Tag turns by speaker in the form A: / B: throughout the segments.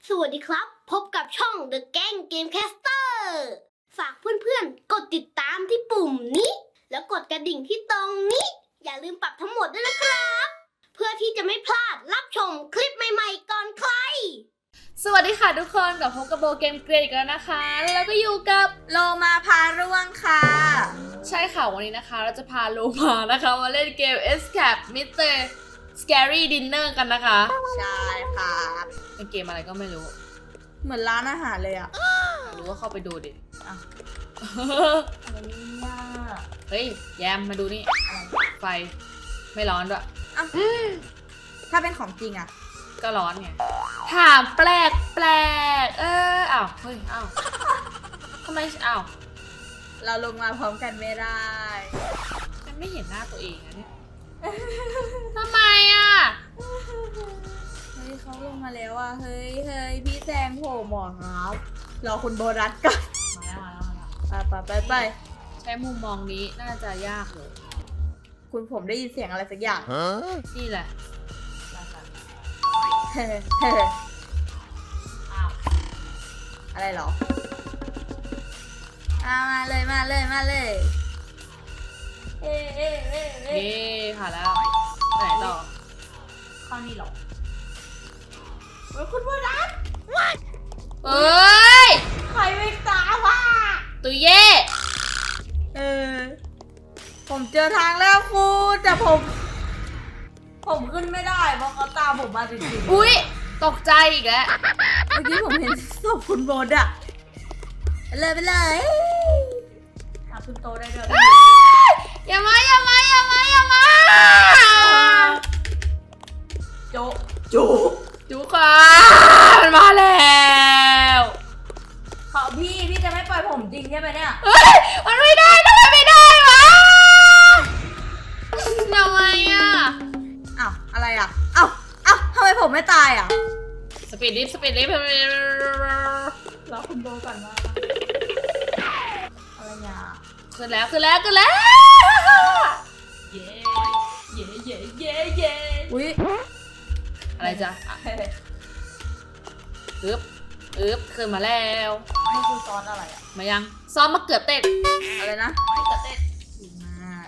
A: สวัสดีครับพบกับช่อง The Gang Gamecaster ฝากเพื่อนๆกดติดตามที่ปุ่มนี้แล้วกดกระดิ่งที่ตรงนี้อย่าลืมปรับทั้งหมดด้วยนะครับเพื่อที่จะไม่พลาดรับชมคลิปใหม่ๆก่อนใคร
B: สวัสดีค่ะทุกคนกับพบกับโบเกมเกรดอีกแล้วนะคะแล้วก็อยู่กับ
C: โลมาพาร่วงค่ะ
B: ใช่ค่ะวันนี้นะคะเราจะพาโลมานะคะมาเล่นเกม Escape Mr. Scary Dinner กันนะคะ
C: ใช่ครับ
B: เป็นเกมอะไรก็ไม่รู้
C: เหมือนร้านอาหารเลยอ่ะ
B: รู้ว่าเข้าไปดูดิ
C: อ่ะ อะไรเนี่ย
B: เฮ้ยแยมมาดูนี่ไฟไม่ร้อนด้วย
C: อ่ะถ้าเป็นของจริงอ่ะ
B: ก็ร้อนไงถามแปลกอ้าวเฮ้ยอ้าวทำไมอ้าว
C: เราลงมาพร้อมกันไม่ได้
B: ฉันไม่เห็นหน้าตัวเองนะเนี่ยทำไมอ่ะ
C: เฮ้ยเขาลงมาแล้วอ่ะเฮ้ยพี่แซงโผล่หมอครับรอคุณโบรัสก่อน
B: มาแล้ว
C: ไป
B: ใช้มุมมองนี้น่าจะยากเลย
C: คุณผมได้ยินเสียงอะไรสักอย่าง
B: นี่แหละ
C: เฮ้
B: อ้าว
C: อะไรเหรอมาเลยเอ๊ะ
B: เย้ผ่านแล้วไปไหนต่อ
C: ข้อนี้หรอเฮ้ยคุณโบรัส
B: เอ้ย
C: ใครไม่ตามว่ะ
B: ตุยเย่
C: ผมเจอทางแล้วคุณแต่ผมขึ้นไม่ได้เพราะเขาตามผมมาติดๆ
B: อุ๊ยตกใจอีกแล้ว
C: เมื่อกี้ผมเห็นศพคุณโบดอะไปเลยขึ้นโตได้ด้วย
B: อย่ามา
C: โจ
B: จุค่ะมันมาแล้ว
C: เขาพี่จะไม่ปล่อยผมจริงใช่ไหมเนี่ย
B: เฮ้ยมันไม่ได้ทำไมไม่ได้วะทำไมอ่ะ
C: อ้าวอะไรอ่ะอ้าวทำไมผมไม่ตายอ่ะ
B: สปีดลิฟต์
C: รอคุณโบก่อนว่าอะไรเนี่ย
B: ขึ้นแล้วเย้
C: อุ้ย
B: อะไรจ๊ะอึ๊บขึ้นมาแล้ว
C: นี่คือซอสอะไรอ่ะ
B: มายังซ้อมมะเขือเทศ
C: อะไรนะ
B: มะเขือเทศ
C: ดีมาก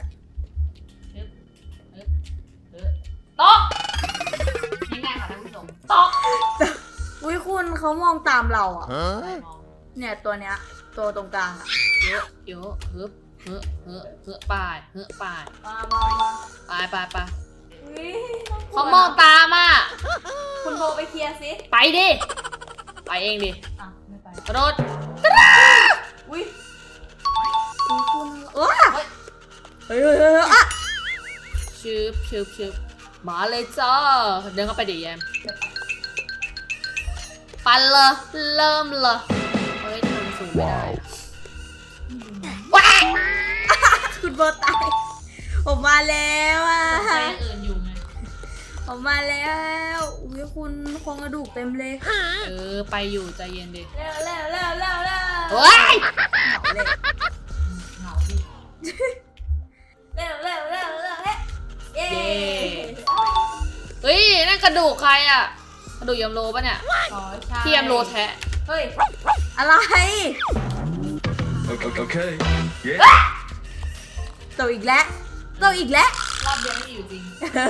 B: โต๊ะง่ายๆค่ะท่านผู้ชมโต๊ะ
C: อุ้ยคุณเขามองตามเราอ่ะเนี่ยตัวเนี้ยตัวตรงกลางอ่ะ
B: เยอะฮึบป้าย
C: มา
B: ไป
C: อุ๊ย
B: เขามองตามอ่ะ
C: คุณโบไปเคลียร์สิ
B: ไปดิ ไปเองดิ
C: อ่ะไม่ไป
B: กระโดด
C: อุ้ยคุณเฮ้ยอ่ะ
B: ชืบมาเลยจ้าเดินเข้าไปดิแยมปันเลยเริ่มเลยเฮ้ยทำไมมันสูงไม่ได้ว้าย
C: คุณโบตายผมมาแล้วอ่ะ
B: ใจอื่นอยู่ไง
C: ผมมาแล้วอุ้ยคุณโครงกระดูกเต็มเลย
B: ไปอยู่ใจเย็นดิ
C: เร็ว
B: เฮ้ย
C: เหงาดิเร็วเย้
B: เฮ้ยนั่นกระดูกใครอ่ะกระดูกยำโลปะเนี่ย
C: อ๋อใช่
B: ที่ยำโลแท้
C: เฮ้ยอะไร
D: Okay. Yeah.
C: โตอีกแล้ว
B: รอบเดียวไม่อยู่จริง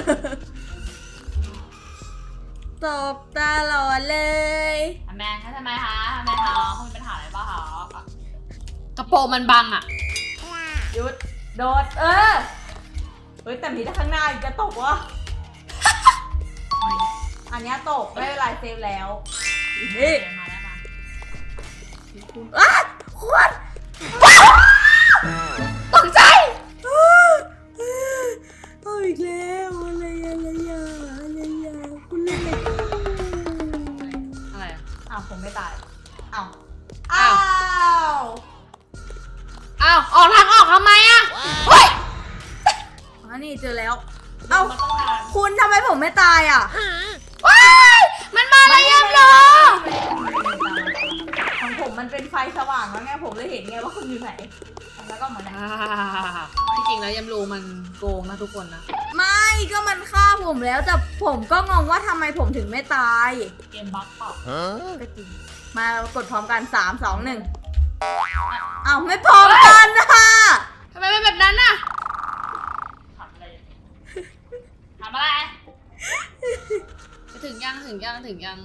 C: ตบตลอดเลย
B: ทำไมคะคุณมีปัญหาอะไรบ้างคะกระโปรงมันบังอ่ะ
C: หยุดโดดเฮ้ยแต่มีถ้าข้างหน้าอีกจะตกวะ อันเนี้ยตกไม่เป็นไรเซฟแล้วนี่
B: มาแล้วมา
C: คุณ
B: ตกใจ
C: เอาอีกแล้วอะไรคุณเล่นอะไร
B: อะไรอ่ะ
C: อ้าวผมไม่ตายอ้าว
B: อ้าวออกทางออกทำไมอ่ะเฮ้ย
C: อันนี้เจอแล้วเอ้าคุณทำไมผมไม่ตายอ่ะ
B: ว้ายมันมาแล้วยำโล
C: ของผมมันเป็นไฟสว่างแล้วไงผมเลยเห็นไงว่าคุณอยู่ไหนแล้วก็เหมือนไหน
B: พจริงแล้วยำรูมันโกงนะทุกคนนะ
C: ไม่ก็มันฆ่าผมแล้วแต่ผมก็งงว่าทำไมผมถึงไม่ตาย
B: เกมบั๊กเปล่า
C: ก็จริงมากดพร้อมกัน3 2 1อ้าวไม่พร้อมกันนะ
B: ทำไมเป็นแบบนั้นน่ะทำอะไรทำอะไรถึงยังถึงแล้ว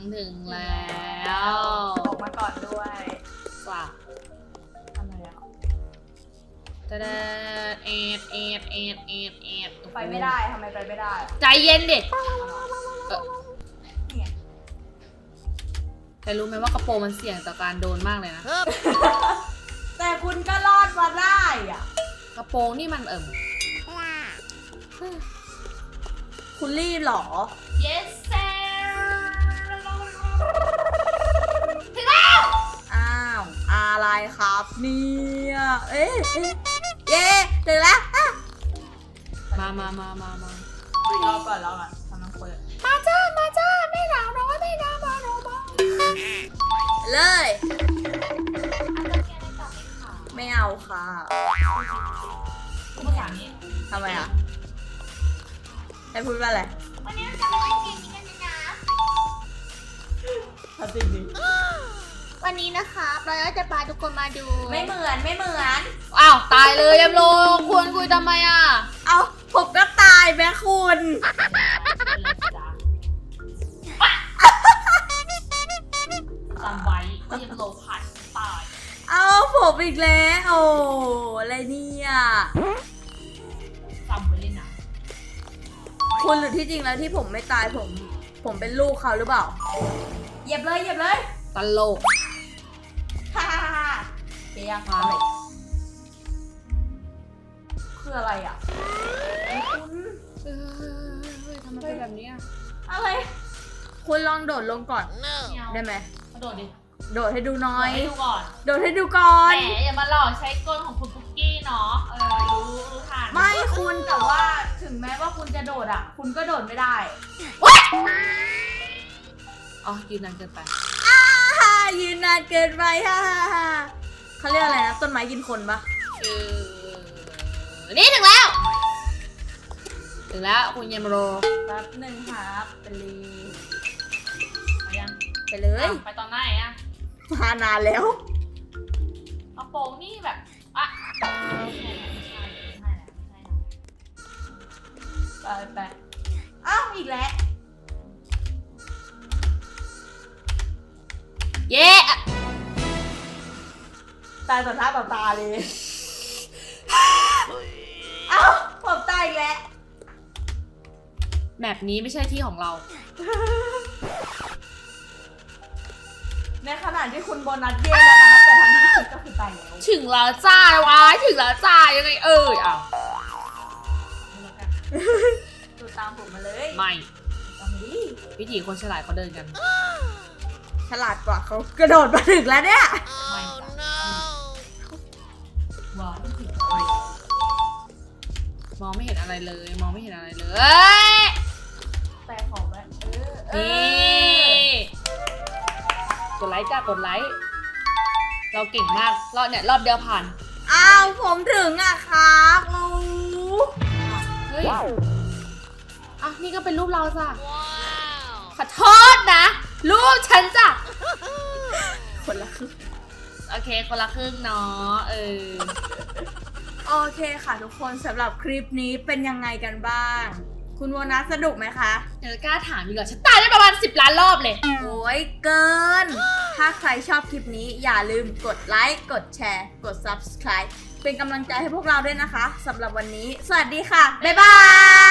C: ออกมาก่อนด้วย
B: ว่ะ
C: อะไรอ่ะ
B: ตะเดเอ็ด
C: ไปไม่ได้ทำไมไปไม่ได้
B: ใจเย็นดิ
C: เนี่ย
B: แต่รู้ไหมว่ากระโปรงมันเสี่ยงต่อการโดนมากเลยนะ
C: แต่คุณก็รอดมาได้อ่ะ
B: กระโปรงนี่มัน
C: คุณรีบเหรอ
B: yes sir
C: อ้าวอะไรครับเนี่ยเอ๊ะเย้ถึงแล้วอ่ะ
B: มาร
C: อก่อนกำลังเปิด
B: มาจ้าไม่หนาวน้อยไม่หนาวมาหนาวมา
C: เลย ไม่เอาค่ะ
B: ภาษานี้
C: ทำไมอ่ะให้พูดว่าอะไร
A: วันนี้เราจะมาเล่นเกมนี้กันนะ
C: ทำจริงดิ
A: วันนี้นะครับเราจะพาทุกคนมาดู
C: ไม่เหมือน
B: อ้าวตายเลยยำโลควรคุยทำไมอ่ะ
C: เอาผมก็ตายแม่คุณ
B: จำไว้ว่ายำโลผ่านตาย
C: เอาผมอีกแล้วโอ้อะไรเนี่ย
B: จำไว้เลยนะ
C: คุณหรือที่จริงแล้วที่ผมไม่ตายผมเป็นลูกเขาหรือเปล่าเหยียบเลย
B: ตลก
C: ฮ่าเกียร์มาเลยคืออะไรอ่ะคุณ
B: ทำไมเป็นแบบนี้อ่ะ
C: อะไร คุณลองโดดลงก่อน
B: ไม่เอา
C: ได้ไหม
B: กระโดดดิ
C: โดดให้ดูหน้อย
B: ให้ดูก่อน
C: โดดให้ดูก่อน
B: แหมอย่ามาหลอกใช้กลของคุณปุ๊กกี้เนาะรู้ทาน
C: ไม่คุณแต่ว่าถึงแม้ว่าคุณจะโดดอ่ะ คุณก็โดดไม่ได้
B: อ๋อยืนนานเกินไป
C: ยืนนานเกินไปฮ่าเขาเรียกอะไรนะต้นไม้กินคนปะ
B: นี่ถึงแล้วคุณยามโร
C: แป๊บหนึ่งครับไปเลย
B: ไปยัง
C: ไปเลย
B: ไปตอนไหนอ่ะ
C: มานานแล้ว
B: กระโปรงนี่แบบอ่ะไม่ใช่
C: ไปอ้าวอีกแล้ว
B: เย้
C: ตายต่อหน้าต่อตาเลย เอ้าผมตายอีกแล้ว
B: แบบนี้ไม่ใช่ที่ของเรา
C: ในขณะที่คุณโบนัสเย่แล้วนะครับแต่ทางที่คิดก็คือตายแล้ว
B: ถึงแล้วจ้าวะถึงแล้วจ้ายังไงอ้าว
C: ดูตามผมมาเลย
B: ไม่
C: ตามดิ
B: วิถีคนฉลาดเขาเดินกัน
C: ฉลาดกว่าเขากระโดดมาถึงแล้วเนี่ย
B: ไม่จ้ะว้าวมองไม่เห็นอะไรเลยมองไม่เห็นอะไรเลย
C: แต่ขอแวะ
B: นี่กดไลค์จ้ากดไลค์เราเก่งมากรอบเนี่ยรอบเดียวผ่าน
C: อ้าวผมถึงอะครับโอ้
B: เฮ้ยอ่ะนี่ก็เป็นรูปเราจ้ะขอโทษนะรูปฉันจ้ะ
C: คนละครึ่ง
B: โอเคคนละครึ่งเนาะ
C: โอเคค่ะทุกคนสำหรับคลิปนี้เป็นยังไงกันบ้าง คุณโบนัสสนุกไหมคะ
B: เดี๋ยวกล้าถามดีกว่าฉันตายได้ประมาณ10 ล้านรอบเลย
C: โอ้ยเกิน ถ้าใครชอบคลิปนี้อย่าลืมกดไลค์ กดแชร์ กด subscribe เป็นกำลังใจให้พวกเราด้วยนะคะสำหรับวันนี้ สวัสดีค่ะ บ๊ายบาย